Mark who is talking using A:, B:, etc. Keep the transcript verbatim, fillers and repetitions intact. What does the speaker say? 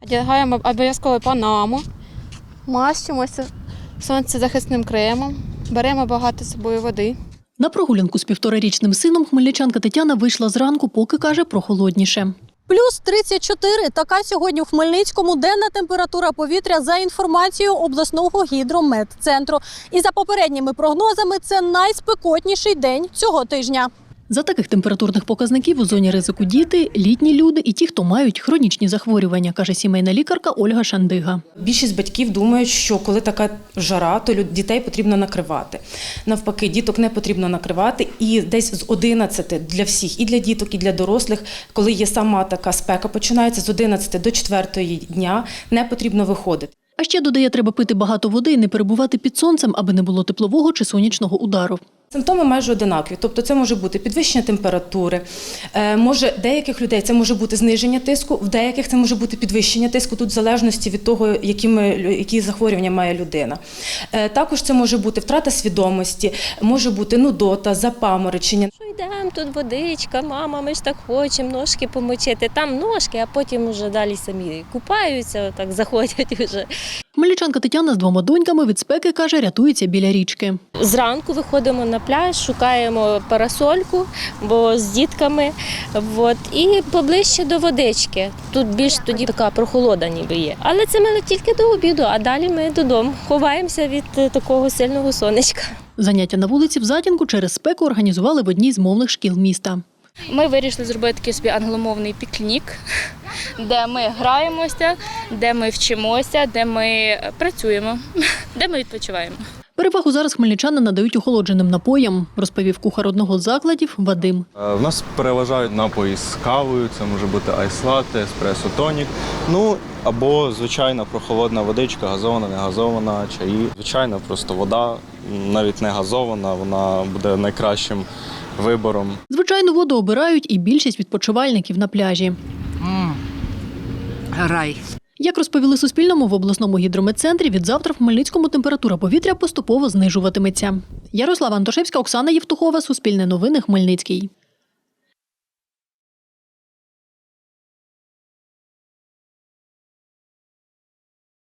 A: Вдягаємо обов'язково панаму, мащимося сонцезахисним кремом, беремо багато з собою води.
B: На прогулянку з півторарічним сином хмельничанка Тетяна вийшла зранку, поки, каже, прохолодніше.
C: Плюс тридцять чотири – така сьогодні у Хмельницькому денна температура повітря за інформацією обласного гідрометцентру. І за попередніми прогнозами це найспекотніший день цього тижня.
B: За таких температурних показників у зоні ризику діти, літні люди і ті, хто мають хронічні захворювання, каже сімейна лікарка Ольга Шандига.
D: Більшість батьків думають, що коли така жара, то дітей потрібно накривати. Навпаки, діток не потрібно накривати. І десь з одинадцяти для всіх, і для діток, і для дорослих, коли є сама така спека, починається з одинадцяти до четвертої дня, не потрібно виходити.
B: А ще, додає, треба пити багато води і не перебувати під сонцем, аби не було теплового чи сонячного удару.
D: Симптоми майже одинакові, тобто це може бути підвищення температури, може деяких людей це може бути зниження тиску, в деяких це може бути підвищення тиску, тут в залежності від того, якими, які захворювання має людина. Також це може бути втрата свідомості, може бути нудота, запаморочення.
E: Йдемо, тут водичка, мама, ми ж так хочемо ножки помочити. Там ножки, а потім вже далі самі купаються, так заходять вже.
B: Хмельничанка Тетяна з двома доньками від спеки, каже, рятується біля річки.
E: Зранку виходимо на пляж, шукаємо парасольку, бо з дітками, от, і поближче до водички. Тут більш тоді така прохолода ніби є. Але це ми тільки до обіду, а далі ми додому ховаємося від такого сильного сонечка.
B: Заняття на вулиці в затінку через спеку організували в одній з мовних шкіл міста.
F: Ми вирішили зробити такий собі англомовний пікнік, де ми граємося, де ми вчимося, де ми працюємо, де ми відпочиваємо.
B: Перевагу зараз хмельничани надають охолодженим напоям, розповів кухар одного з закладів Вадим.
G: В нас переважають напої з кавою, це може бути айс-латте, еспресо-тонік, ну або звичайна прохолодна водичка, газована, не газована, чаї. Звичайна просто вода, навіть не газована, вона буде найкращим вибором.
B: Звичайну воду обирають і більшість відпочивальників на пляжі.
H: Мм, рай.
B: Як розповіли Суспільному, в обласному гідрометцентрі відзавтра в Хмельницькому температура повітря поступово знижуватиметься. Ярослава Антошевська, Оксана Євтухова, Суспільне новини, Хмельницький.